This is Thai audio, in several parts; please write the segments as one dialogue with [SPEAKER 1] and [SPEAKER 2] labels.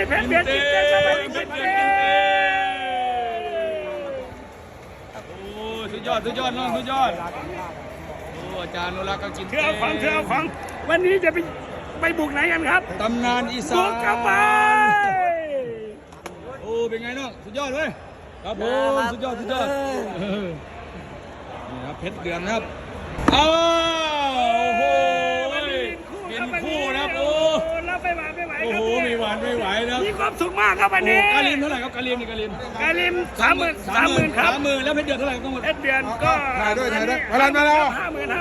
[SPEAKER 1] เพชรเบียดกินเต้ครับเพชรเบียด
[SPEAKER 2] โอ้สุดยอดน้องสุดยอดโอ้อาจารย์นุรักษ์ก็กินเต้
[SPEAKER 1] เถื่อของวันนี้จะไปบุกไหนกันครับ
[SPEAKER 2] ตำนานอีสาน
[SPEAKER 1] บุกกลับไป
[SPEAKER 2] โอ้เป็นไงน้องสุดยอดเว้ยครับผมสุดยอดนี่ครับเพชรเดือนครับอ้าวโอ้โหเป็นคู่นะครับโอ้
[SPEAKER 1] เราไม่ไหว
[SPEAKER 2] โอ้โหไม่หวานไม่ไหวนะ
[SPEAKER 1] มีความสุขมากครับวันนี้
[SPEAKER 2] กาลิมเท่าไหร่ครับกาลิม
[SPEAKER 1] 30,000ครับ
[SPEAKER 2] 30,000แล้วเพชรเดือนเท่าไหร่ต้องหมด
[SPEAKER 1] เพชรเดือนก็
[SPEAKER 3] ถ่ายด้วยมาแล้ว
[SPEAKER 1] 50,000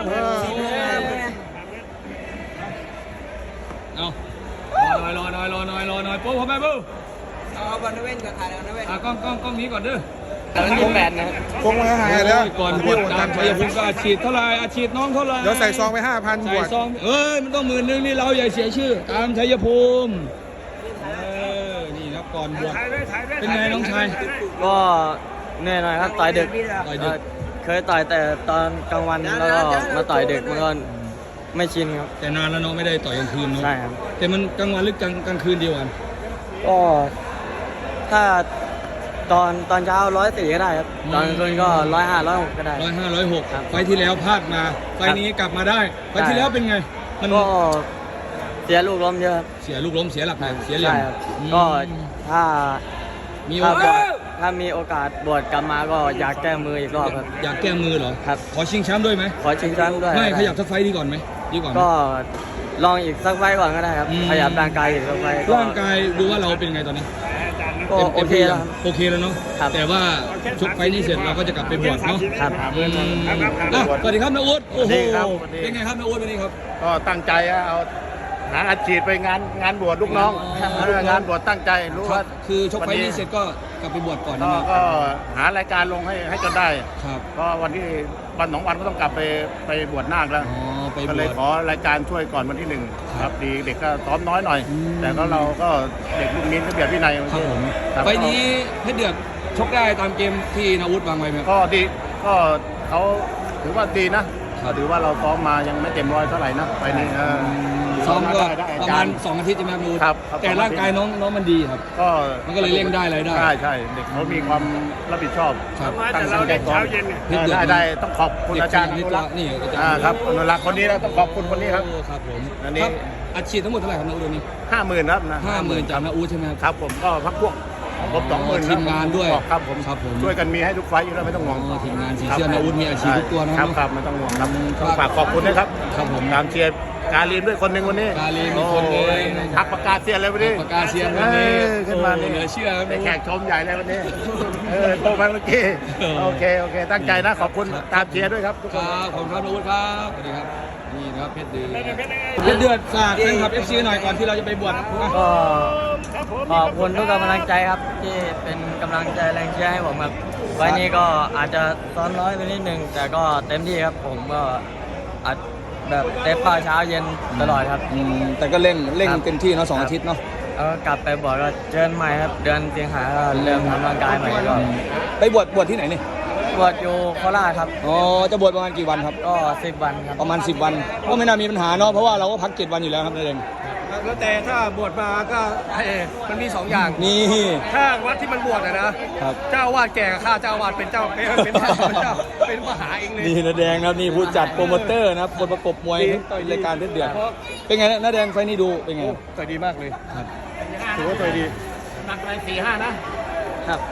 [SPEAKER 2] เอารอหน่อยโป๊ะพ่อแม่บู
[SPEAKER 4] เอาบอลนเว้นกับถ่ายแล้วนะเว้น
[SPEAKER 2] กล้องนี้ก่อนเด้อ
[SPEAKER 4] อันนี้แบนนะ
[SPEAKER 3] คงมาหายแล้ว
[SPEAKER 2] ก่อนบวชตามชัยภูมิก็อาชีพเท่าไรอาชีพน้องเท่าไร
[SPEAKER 3] เดี๋ยวใส่ซองไป5,000บวช
[SPEAKER 2] ซองมันต้อง10,000นี่เราอย่าเสียชื่อตามชัยภูมินี่ครับก่อนบวชเป็นไงน้องชาย
[SPEAKER 4] ก็เหนื่อยหน่อยครับต่อยดึกเคยต่อยแต่ตอนกลางวันแล้วก็มาต่อยดึกมันก็ไม่ชินครับ
[SPEAKER 2] แต่นานแล้วเนาะไม่ได้ต่อยกลางคืนเนาะ
[SPEAKER 4] ใช่ครับ
[SPEAKER 2] แต่มันกลางวันหรือกลางคืนเดียวกัน
[SPEAKER 4] ก็ถ้าตอนเช้า104ก็ได้ครับตอนกลางคืนก็105 106ก็ได้
[SPEAKER 2] 105 106ไฟที่แล้วพลาดมาไฟนี้กลับมาได้ไฟที่แล้วเป็นไง
[SPEAKER 4] มันก็เสียลูกล้มเยอะ
[SPEAKER 2] เสียลูกล้มเสียหลักเสียเหลี่ยม
[SPEAKER 4] ก็ถ้า
[SPEAKER 2] มีโอกาส
[SPEAKER 4] บวชกลับมาก็อยากแก้มืออีกรอบครับ
[SPEAKER 2] อยากแก้มือเหรอ
[SPEAKER 4] ครับ
[SPEAKER 2] ขอชิงแชมป์ด้วยไหม
[SPEAKER 4] ขอชิงแชมป์ด้วย
[SPEAKER 2] ไม่ขยับสักไฟดีก่อนไหมดีกว่า
[SPEAKER 4] ก็ลองอีกสักไฟก่อนก็ได้ครับขยับร่างกายอีกสักไฟ
[SPEAKER 2] ร่างกายดูว่าเราเป็นไงตอนนี้
[SPEAKER 4] โอเค
[SPEAKER 2] แล้วเนาะแต่ว่าชกไฟนี้เสร็จเราก็จะกลับไปบวชเนาะ
[SPEAKER 4] ครับ
[SPEAKER 2] สวัสดีครับนาอุ๊ดโอ้โหเป็นไงครับนาอุ๊ดวันนี้ครับ
[SPEAKER 3] ก็ตั้งใจเอาหาอาชีพไปงานบวชลูกน้องงานบวชตั้งใจรู้ว่า
[SPEAKER 2] คือชกไฟนี้เสร็จก็กลับไปบวชก่อน
[SPEAKER 3] ก็หารายการลงให้จนได้
[SPEAKER 2] ครับ
[SPEAKER 3] ก็วันที่วัน2 วันก็ต้องกลับไปบวชนาคแล้วก็เลยขอรายการช่วยก่อนวันที่1ครับดีเด็กก็ซ้อมน้อยหน่อยแต่ก็เราก็เด็กลูกมิ้นก็เบียดวินัย
[SPEAKER 2] ครับผมไฟนี้เพชรเดือดชกได้ตามเกมที่นาอุ๊ดวางไว้ไหม
[SPEAKER 3] ก็ดีก็เขาถือว่าดีนะถือว่าเราซ้อมมายังไม่เต็มร้อยเท่าไหร่นะไฟนี้
[SPEAKER 2] ซ้อมก็ประมาณ2 อาทิตย์ใช่ไหมครับแต่ร่างกายน้องมันดีครับมันก็เลยเร่งได้อะไรได้
[SPEAKER 3] ใช่เด็กเขามีความรับผิดชอบ
[SPEAKER 1] ตั้งใจเช้าเย็น
[SPEAKER 3] ได้ต้องขอบคุณอาจารย์
[SPEAKER 2] นี่
[SPEAKER 3] ครับอนุรักษ์คนนี้แล้วต้องขอบคุณคนนี้ครับ
[SPEAKER 2] ครับผมอันนี้อัดฉีดทั้งหมดเท่าไหร่ครับนาอุ๊ดนี้
[SPEAKER 3] 50,000ครับนะ
[SPEAKER 2] 50,000จากนาอุ๊ดใช่ไหม
[SPEAKER 3] ครับผมก็พักพวกครบ20,000
[SPEAKER 2] ทีมงานด้วย
[SPEAKER 3] ครับผมช่วยกันมีให้ทุกไฟอยู่แล้วไม่ต้องห่วง
[SPEAKER 2] ทีมงานสีเสื้อนาอุ๊ดมีอาชีพทุกตัวนะครับ
[SPEAKER 3] ไม่ต้องห่วงครับฝากขอบคุณนะครับ
[SPEAKER 2] ครับผม
[SPEAKER 3] ตามเชียร์กาลีนด้วยคนหนึ่งวันนี้
[SPEAKER 2] กาลีนมีคนนึง
[SPEAKER 3] ทักประกาศเสียเลยวันนี้
[SPEAKER 2] ประกาศเสียวันนี้
[SPEAKER 3] ขึ้นมา
[SPEAKER 2] เหลือเชื่อ
[SPEAKER 3] แต่แขกชมใหญ่เลยวันนี้โทรมาเมื่อกี้โอเคตั้งใจนะขอบคุณตามเชียร์ด้วยครับทุกคน
[SPEAKER 2] ขอบคุณครับนาอุ๊ดครับสวัสดีครับนี่นะครับเพชรเดือดฝากนะครับ FC หน่อยก่อนที่เราจะไปบวช
[SPEAKER 4] ก็ขอบคุณทุกกำลังใจครับที่เป็นกำลังใจแรงเชียร์ให้ผมครับวันนี้ก็อาจจะซ้อมน้อยไปนิดนึงแต่ก็เต็มที่ครับผมก็อัดแบบเต็มเช้าเย็นตลอดครับ
[SPEAKER 2] แต่ก็เร่งเต็มที่เนาะ2 อาทิตย์เนาะ
[SPEAKER 4] กลับไปบวชก็เจอใหม่ครับเดือนสิงหาก็เริ่มทำร่างกายใหม่ก็
[SPEAKER 2] ไปบวชที่ไหนนี่
[SPEAKER 4] บวชอยู่โคราชครับ
[SPEAKER 2] จะบวชประมาณกี่วันครับ
[SPEAKER 4] ก็10 วันครับ
[SPEAKER 2] ประมาณ10 วันก็ไม่น่ามีปัญหาเนาะเพราะว่าเราก็พัก7 วันอยู่แล้วครับนั่นเอง
[SPEAKER 1] แล้วแต่ถ้าบวชมาก็มันมี2 อย่าง
[SPEAKER 2] นี่
[SPEAKER 1] ถ้าวัดที่มันบวชนะครับเจ้าวาดแก่กับข้าเจ้าวาดเป็นเจ้าเป็นมหาเองเลย
[SPEAKER 2] นี่นาแดงครับนี่ผู้จัดโปรโมเตอร์นะครับคนประกบมวยรายการเพชรเดือดเป็นไงนาแดงไฟนี้ดูเป็นไง
[SPEAKER 1] ต่อยดีมากเลย
[SPEAKER 2] ครับ
[SPEAKER 3] ถือว่าต่อยดี
[SPEAKER 1] หนักไป4-5นะครับ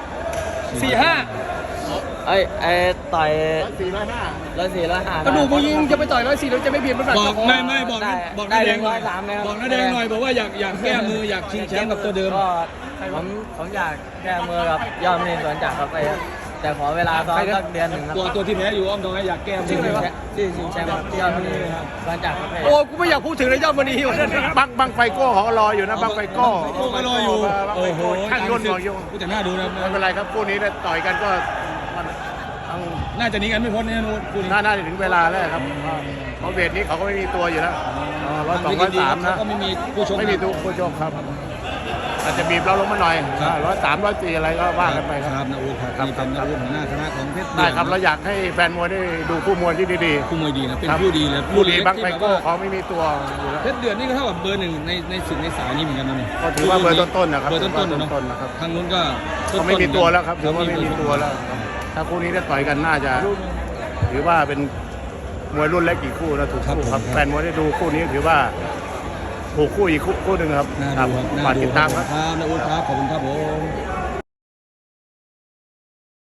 [SPEAKER 1] 4-5
[SPEAKER 4] ต่อย
[SPEAKER 1] 104-105กระดูกมึงยิงจะไปต่อย104แล้วจะไม่เปลี่ยนมัน
[SPEAKER 2] บอกไม่บอกนาแดงหน่อยบอกนาแดงหน่อยบอกว่าอยากแก้มืออยากชิงแชมป์กับตัวเดิม
[SPEAKER 4] ผมอยากแก้มือกับยอดมณีสวนจักรครับไปแต่ขอเวลาซ้อมสักเดือนหนึ่งครับ
[SPEAKER 2] ตัวที่แพ้อยู่อ้อมตรงนี้อยากแก้มือ
[SPEAKER 4] ที่ชิงแชมป์ยอดมณีสวนจักร
[SPEAKER 1] โอ้กูไม่อยากพูดถึงเลยยอดมณี
[SPEAKER 3] บังไฟโก้เขารออยู่นะบังไฟโก้
[SPEAKER 2] รออยู่
[SPEAKER 3] โอ้โหช่างยนต์บอกอยู่
[SPEAKER 2] แต่น่าดูนะ
[SPEAKER 3] ไม่เป็นไรครับคู่นี้ต่อยกันก็
[SPEAKER 2] น่าจะหนีกันไม่พ้นเนี่ยนู้น
[SPEAKER 3] น่าจะถึงเวลาแล้วครับเพราะเวทนี้เขาก็ไม่มีตัวอยู่แล้ว102 103นะ
[SPEAKER 2] ก็ไม่มีผู้ชม
[SPEAKER 3] ไม่มีตัวผู้ชมครับอาจจะบีบเราลงมาหน่อย
[SPEAKER 2] ครับ
[SPEAKER 3] 103 104อะไรก็ว่ากันไปค
[SPEAKER 2] ค
[SPEAKER 3] รั
[SPEAKER 2] รั
[SPEAKER 3] บบ
[SPEAKER 2] นาอูครับ
[SPEAKER 3] ครับ
[SPEAKER 2] นี่เป็นนาอูหัวหน้าคณะของเพชร
[SPEAKER 3] ได้ครับ
[SPEAKER 2] เดื
[SPEAKER 3] เรา
[SPEAKER 2] อด
[SPEAKER 3] อยากให้แฟนมวยได้ดูคู่มวยที่ดี
[SPEAKER 2] คู่มวยดีนะเป็น
[SPEAKER 3] ครับ
[SPEAKER 2] ผู้ดีเลย
[SPEAKER 3] ผู้ดี
[SPEAKER 2] เล็ก
[SPEAKER 3] บังไฟ
[SPEAKER 2] ที่แบบ
[SPEAKER 3] โก้
[SPEAKER 2] ว่า
[SPEAKER 3] เขาไม่มีตัวอยู่แล้ว
[SPEAKER 2] เพชรเดือดนี่ก็เท่ากับเบอร์หนึ่งในสายนี้เหมือนกันนะนี่
[SPEAKER 3] ก็ถือว่าเบอร์ต้นๆนะครับ
[SPEAKER 2] เบอร์ต้นๆ
[SPEAKER 3] เบอร์
[SPEAKER 2] เนาะ
[SPEAKER 3] ต้นๆนะครับ
[SPEAKER 2] ทางนู้นก็
[SPEAKER 3] เขาไม่มีตัวแล้วครับถือว่า
[SPEAKER 2] เข
[SPEAKER 3] ไม่มีตัวแล้วครับถ้าคู่นี้ได้ต่อยกันน่าจะถือว่าเป็นมวยรุ่นเล็กอีกคู่นะถูกคู่ครับแฟนมวยได้ดูคู่นี้ถือว่าถูกคู่อีกคู่หนึ่งครับ
[SPEAKER 2] น่าดูครับ
[SPEAKER 3] ฝากติดตามครับ
[SPEAKER 2] นาอูครับขอบคุณครับผม